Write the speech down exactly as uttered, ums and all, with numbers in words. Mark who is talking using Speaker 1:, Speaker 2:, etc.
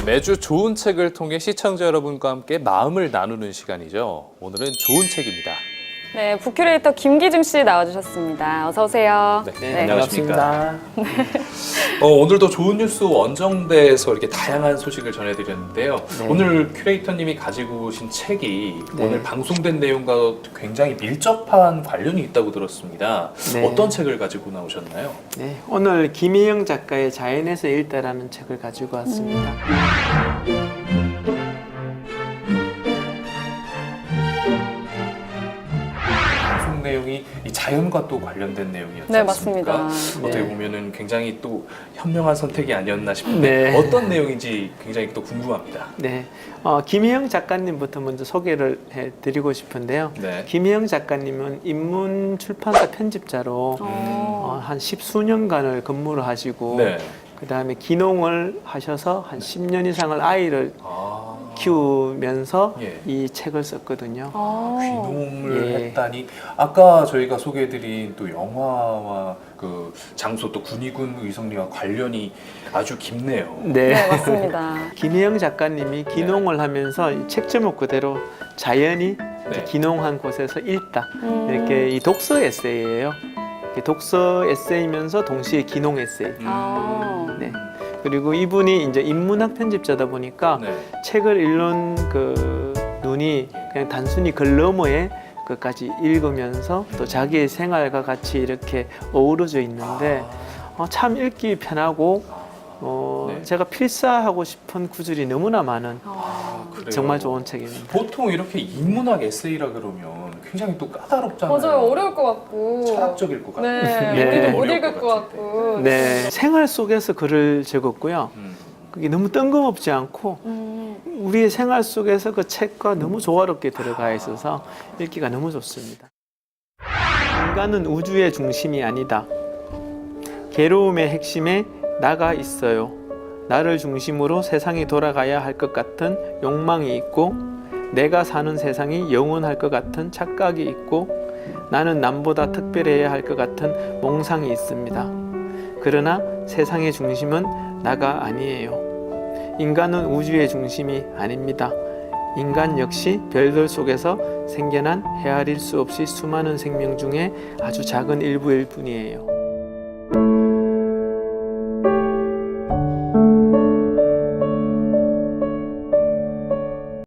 Speaker 1: 매주 좋은 책을 통해 시청자 여러분과 함께 마음을 나누는 시간이죠. 오늘은 좋은 책입니다.
Speaker 2: 네, 북큐레이터 김기중 씨 나와주셨습니다. 어서 오세요.
Speaker 1: 네,
Speaker 3: 네,
Speaker 1: 안녕하십니까.
Speaker 3: 반갑습니다.
Speaker 1: 어, 오늘도 좋은 뉴스 원정대에서 이렇게 다양한 소식을 전해드렸는데요.
Speaker 3: 네.
Speaker 1: 오늘 큐레이터님이 가지고 오신 책이
Speaker 3: 네.
Speaker 1: 오늘 방송된 내용과 굉장히 밀접한 관련이 있다고 들었습니다.
Speaker 3: 네.
Speaker 1: 어떤 책을 가지고 나오셨나요?
Speaker 3: 네, 오늘 김혜영 작가의 자연에서 읽다라는 책을 가지고 왔습니다.
Speaker 1: 방송 내용이 이 자연과 또 관련된 내용이었지
Speaker 2: 네,
Speaker 1: 않습니까?
Speaker 2: 맞습니다.
Speaker 1: 어떻게
Speaker 3: 네.
Speaker 1: 보면은 굉장히 또 현명한 선택이 아니었나 싶은데
Speaker 3: 네.
Speaker 1: 어떤 내용인지 굉장히 또 궁금합니다.
Speaker 3: 네, 어, 김혜영 작가님부터 먼저 소개를 해드리고 싶은데요.
Speaker 1: 네.
Speaker 3: 김혜영 작가님은 인문 출판사 편집자로 어, 한 십수년간을 근무를 하시고
Speaker 1: 네.
Speaker 3: 그 다음에 기농을 하셔서 한 십 년 이상을 아이를
Speaker 1: 아.
Speaker 3: 키우면서
Speaker 1: 예.
Speaker 3: 이 책을 썼거든요.
Speaker 2: 아,
Speaker 1: 귀농을
Speaker 3: 예.
Speaker 1: 했다니 아까 저희가 소개해드린 또 영화와 그 장소 또 군위군 의성리와 관련이 아주 깊네요.
Speaker 3: 네.
Speaker 2: 네, 맞습니다.
Speaker 3: 김혜영 작가님이 기농을 하면서 이 책 제목 그대로 자연이
Speaker 1: 네.
Speaker 3: 기농한 곳에서 읽다
Speaker 2: 음.
Speaker 3: 이렇게 이 독서 에세이예요. 이렇게 독서 에세이면서 동시에 기농 에세이.
Speaker 1: 음.
Speaker 2: 아.
Speaker 3: 네. 그리고 이분이 이제 인문학 편집자다 보니까
Speaker 1: 네.
Speaker 3: 책을 읽는 그 눈이 그냥 단순히 글 너머에 끝까지 읽으면서 또 자기의 생활과 같이 이렇게 어우러져 있는데 어, 참 읽기 편하고 어,
Speaker 1: 네.
Speaker 3: 제가 필사하고 싶은 구절이 너무나 많은
Speaker 1: 아, 그래요?
Speaker 3: 정말 좋은 책입니다.
Speaker 1: 보통 이렇게 인문학 에세이라 그러면 굉장히 또 까다롭잖아요.
Speaker 2: 맞아요. 어려울 것 같고.
Speaker 1: 철학적일 것 같고.
Speaker 2: 네,
Speaker 3: 네.
Speaker 2: 우리도 못
Speaker 1: 어려울
Speaker 2: 읽을
Speaker 1: 것
Speaker 2: 것 같고.
Speaker 3: 네, 생활 속에서 글을 적었고요.
Speaker 1: 음.
Speaker 3: 그게 너무 뜬금없지 않고
Speaker 2: 음.
Speaker 3: 우리의 생활 속에서 그 책과 너무 조화롭게 들어가 있어서 읽기가 너무 좋습니다. 인간은 우주의 중심이 아니다. 괴로움의 핵심에 나가 있어요. 나를 중심으로 세상이 돌아가야 할 것 같은 욕망이 있고 내가 사는 세상이 영원할 것 같은 착각이 있고 나는 남보다 특별해야 할 것 같은 몽상이 있습니다. 그러나 세상의 중심은 나가 아니에요. 인간은 우주의 중심이 아닙니다. 인간 역시 별들 속에서 생겨난 헤아릴 수 없이 수많은 생명 중에 아주 작은 일부일 뿐이에요.